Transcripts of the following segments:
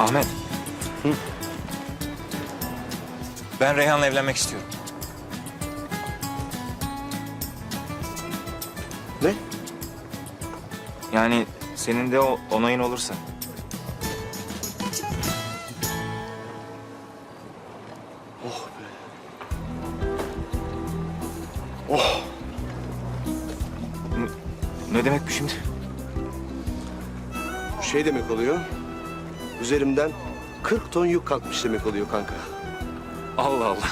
Ahmet. Hı? Ben Reyhan'la evlenmek istiyorum. Ne? Yani senin de onayın olursa. Oh be. Oh. Ne demek bu şimdi? Şey demek oluyor. Üzerimden 40 ton yük kalkmış demek oluyor kanka. Allah Allah.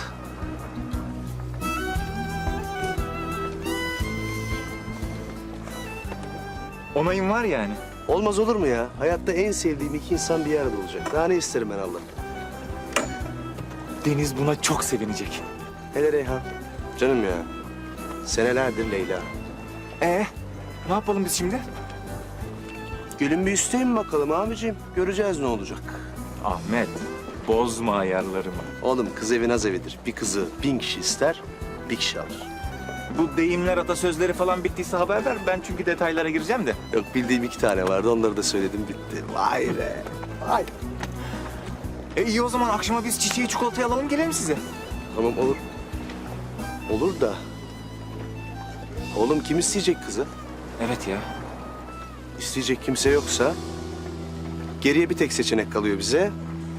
Onayın var yani. Olmaz olur mu ya? Hayatta en sevdiğim iki insan bir arada olacak. Daha ne isterim ben Allah? Deniz buna çok sevinecek. Hele Reyhan. Canım ya. Senelerdir Leyla. Ne yapalım biz şimdi? Gelin bir isteyin bakalım abiciğim. Göreceğiz ne olacak. Ahmet, bozma ayarlarımı. Oğlum kız evi naz evidir. Bir kızı 1000 kişi ister, bir kişi alır. Bu deyimler, atasözleri falan bittiyse haber ver. Ben çünkü detaylara gireceğim de. Yok bildiğim 2 tane vardı. Onları da söyledim bitti. Vay be. Vay. İyi o zaman akşama biz çiçeği çikolatayı alalım gelelim size. Tamam olur. Olur da. Oğlum kim isteyecek kızı? Evet ya. İsteyecek kimse yoksa geriye bir tek seçenek kalıyor bize.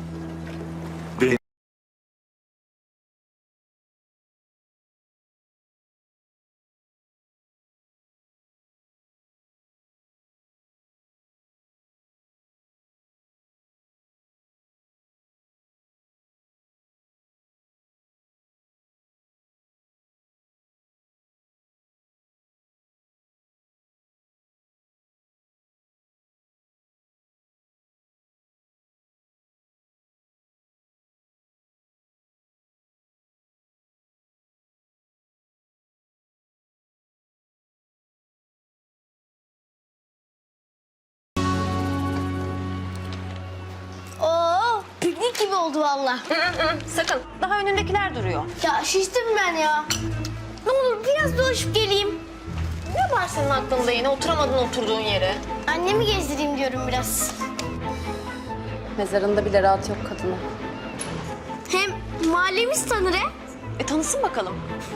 Oo, piknik gibi oldu valla. Sakın. Daha önündekiler duruyor. Ya şiştim ben ya. Ne olur biraz dolaşıp geleyim. Ne var senin aklında yine? Oturamadın oturduğun yere. Annemi gezdireyim diyorum biraz. Mezarında bile rahat yok kadının. Hem mahallemiz tanır he. Tanısın bakalım.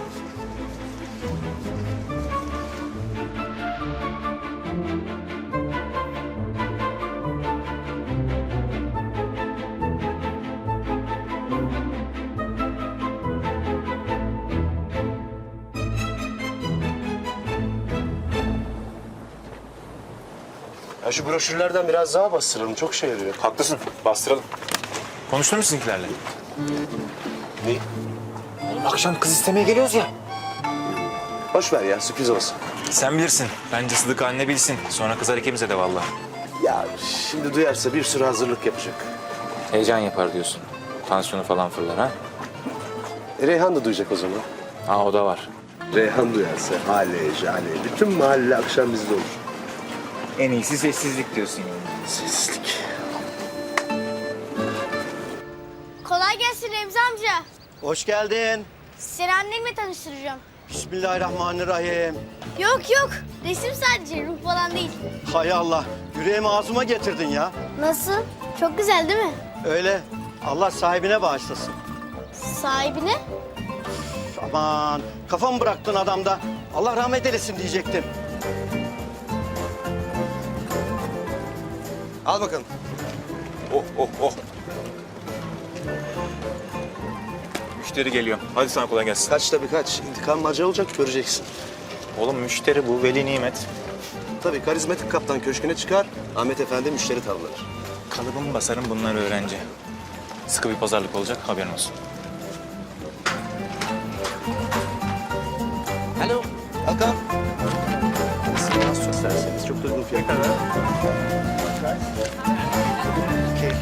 Ya şu broşürlerden biraz daha bastıralım. Çok şey yarıyor. Haklısın. Bastıralım. Konuştun mu sizinkilerle? Ne? Akşam kız istemeye geliyoruz ya. Boş ver ya sürpriz olsun. Sen bilirsin. Bence Sıdık anne bilsin. Sonra kızar ikimize de vallahi. Ya şimdi duyarsa bir sürü hazırlık yapacak. Heyecan yapar diyorsun. Tansiyonu falan fırlar ha? Reyhan da duyacak o zaman. O da var. Reyhan duyarsa hale jale. Bütün mahalle akşam bizde olur. En iyisi sessizlik diyorsun yani. Sessizlik. Kolay gelsin Remzi amca. Hoş geldin. Seni annemle tanıştıracağım. Bismillahirrahmanirrahim. Yok yok, resim sadece, ruh falan değil. Hay Allah, yüreğimi ağzıma getirdin ya. Nasıl? Çok güzel değil mi? Öyle, Allah sahibine bağışlasın. Sahibine? Üf, aman, kafamı bıraktın adamda. Allah rahmet eylesin diyecektim. Al bakalım. Oh. Müşteri geliyor. Hadi sana kolay gelsin. Kaç tabii kaç. İntikam acı olacak göreceksin. Oğlum müşteri bu. Veli nimet. Tabii karizmatik kaptan köşküne çıkar. Ahmet Efendi müşteri tavlanır. Kalıbımı basarım bunlar öğrenci. Sıkı bir pazarlık olacak haberin olsun. Alo. Hakan. Siz az çok serseniz çok da uygun fiyatlar. Okey.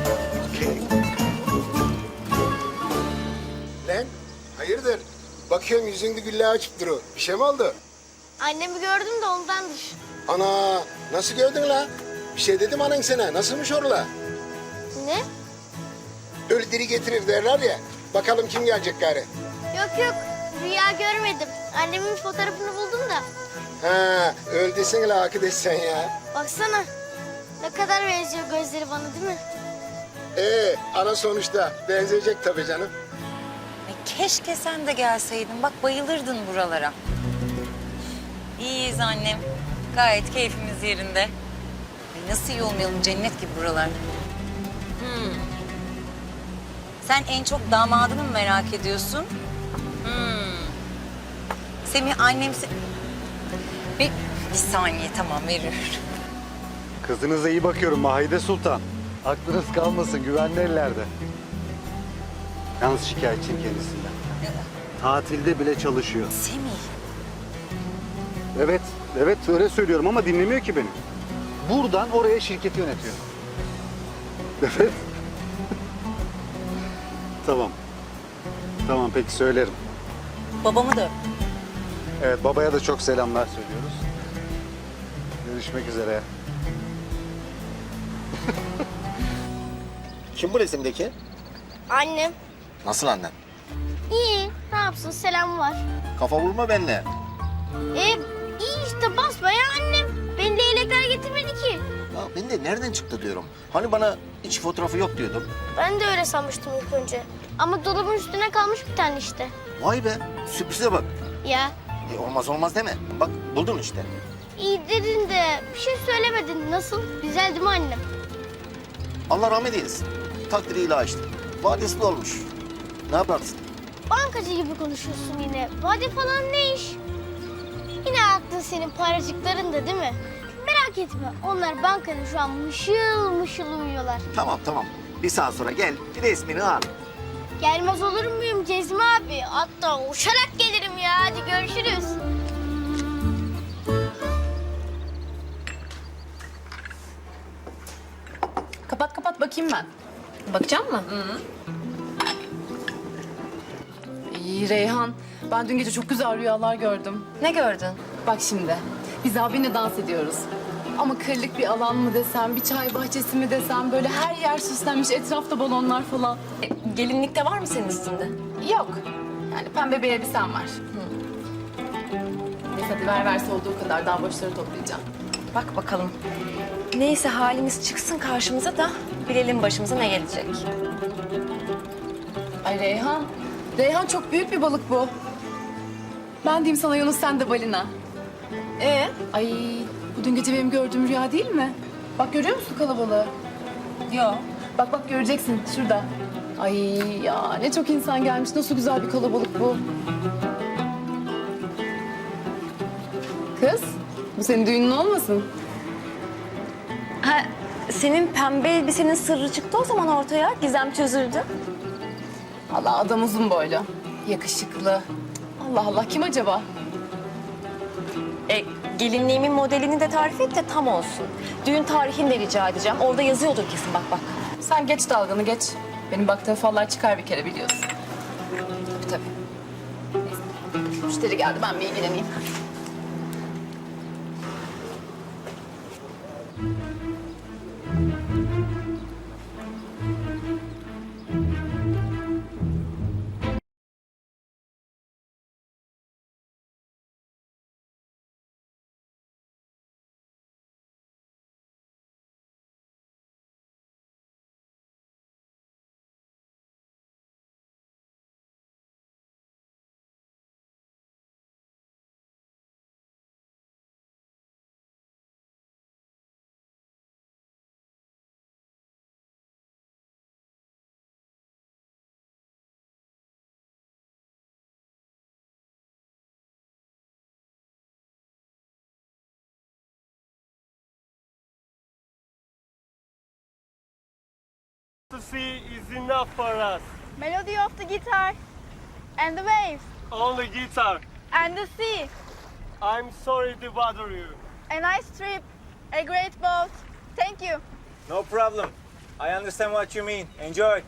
Lan hayırdır? Bakıyorum yüzünde gülle açıp duruyor. Bir şey mi oldu? Annemi gördüm de ondandır. Ana nasıl gördün la? Bir şey dedim anan sana. Nasılmış orla? Ne? Ölü diri getirir derler ya. Bakalım kim gelecek gari. Yok rüya görmedim. Annemin fotoğrafını buldum da. Ha öl desene la arkadaş sen ya. Baksana ne kadar benziyor gözleri bana değil mi? Ana sonuçta benzeyecek tabii canım. Keşke sen de gelseydin. Bak bayılırdın buralara. İyiyiz annem. Gayet keyfimiz yerinde. Ay, nasıl iyi olmayalım, cennet gibi buralar. Sen en çok damadını mı merak ediyorsun? Semih annem... Bir saniye tamam veriyorum. Kızınıza iyi bakıyorum Mahide Sultan. Aklınız kalmasın, güvenli ellerde. Yalnız şikayetçiyim kendisinden. Tatilde bile çalışıyor. Semih. Evet öyle söylüyorum ama dinlemiyor ki beni. Buradan oraya şirketi yönetiyor. Evet. Tamam peki söylerim. Babamı da öp. Evet babaya da çok selamlar söylüyoruz. Görüşmek üzere. Kim bu resimdeki? Annem. Nasıl annen? İyi. Ne yapsın? Selam var. Kafa vurma benimle. İyi işte basbayağı annem. Beni leylekler getirmedi ki. Ya ben de nereden çıktı diyorum. Hani bana hiç fotoğrafı yok diyordum. Ben de öyle sanmıştım ilk önce. Ama dolabın üstüne kalmış bir tane işte. Vay be, sürprize bak. Ya Olmaz olmaz deme. Bak buldun işte. iyi dedin de bir şey söylemedin. Nasıl? Güzel değil mi annem? Allah rahmet eylesin. Takdiri ilahi. Vadesi de olmuş. Ne yaparsın? Bankacı gibi konuşuyorsun yine. Vade falan ne iş? Yine aklın senin paracıklarında değil mi? Merak etme. Onlar bankada şu an mışıl mışıl uyuyorlar. Tamam. Bir saat sonra gel, bir resmini al. Gelmez olur muyum Cezmi abi? Hatta uçarak gelirim ya. Hadi görüşürüz. Kapat bakayım ben. Bakacak mı? İyi Reyhan. Ben dün gece çok güzel rüyalar gördüm. Ne gördün? Bak şimdi. Biz abinle dans ediyoruz. Ama kırlık bir alan mı desem, bir çay bahçesi mi desem... ...böyle her yer süslenmiş, etrafta balonlar falan. Gelinlikte var mı senin üstünde? Yok. Yani pembe bir elbisem var. Neyse hadi ver verse olduğu kadar daha boşları toplayacağım. Bak bakalım. Neyse halimiz çıksın karşımıza da bilelim başımıza ne gelecek. Ay Reyhan. Reyhan çok büyük bir balık bu. Ben diyeyim sana Yunus, sen de balina. Ay bu dün gece benim gördüğüm rüya değil mi? Bak görüyor musun kalabalığı? Yok. Bak göreceksin şurada. Ay ya ne çok insan gelmiş. Nasıl güzel bir kalabalık bu. Kız bu senin düğünün olmasın? Ha, senin pembe elbisenin sırrı çıktı o zaman ortaya. Gizem çözüldü. Allah adam uzun boylu. Yakışıklı. Allah Allah kim acaba? Gelinliğimin modelini de tarif et de tam olsun. Düğün tarihini de rica edeceğim. Orada yazıyordur kesin bak. Sen geç dalganı geç. Benim baktığım fallar çıkar bir kere biliyorsun. Tabii. Neyse. Müşteri geldi ben bir ilgileneyim. To see is enough for us. Melody of the guitar and the waves Only guitar. and the sea. I'm sorry to bother you. A nice trip, a great boat. Thank you. No problem. I understand what you mean. Enjoy.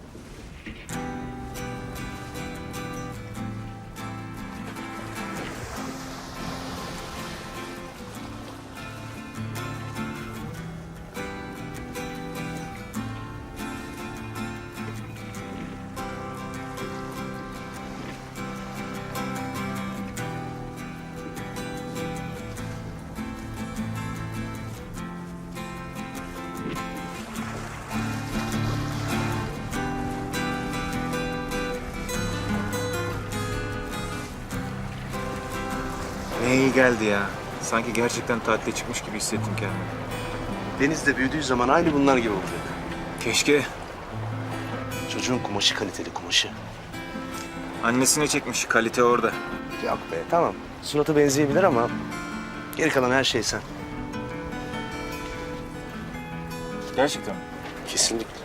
Ne iyi geldi ya. Sanki gerçekten tatile çıkmış gibi hissettim kendimi. Denizde büyüdüğü zaman aynı bunlar gibi olacak. Keşke Çocuğun kumaşı kaliteli kumaşı. annesine çekmiş. Kalite orada. Yok be tamam. Suratı benzeyebilir ama geri kalan her şey sen. Gerçekten. Kesinlikle.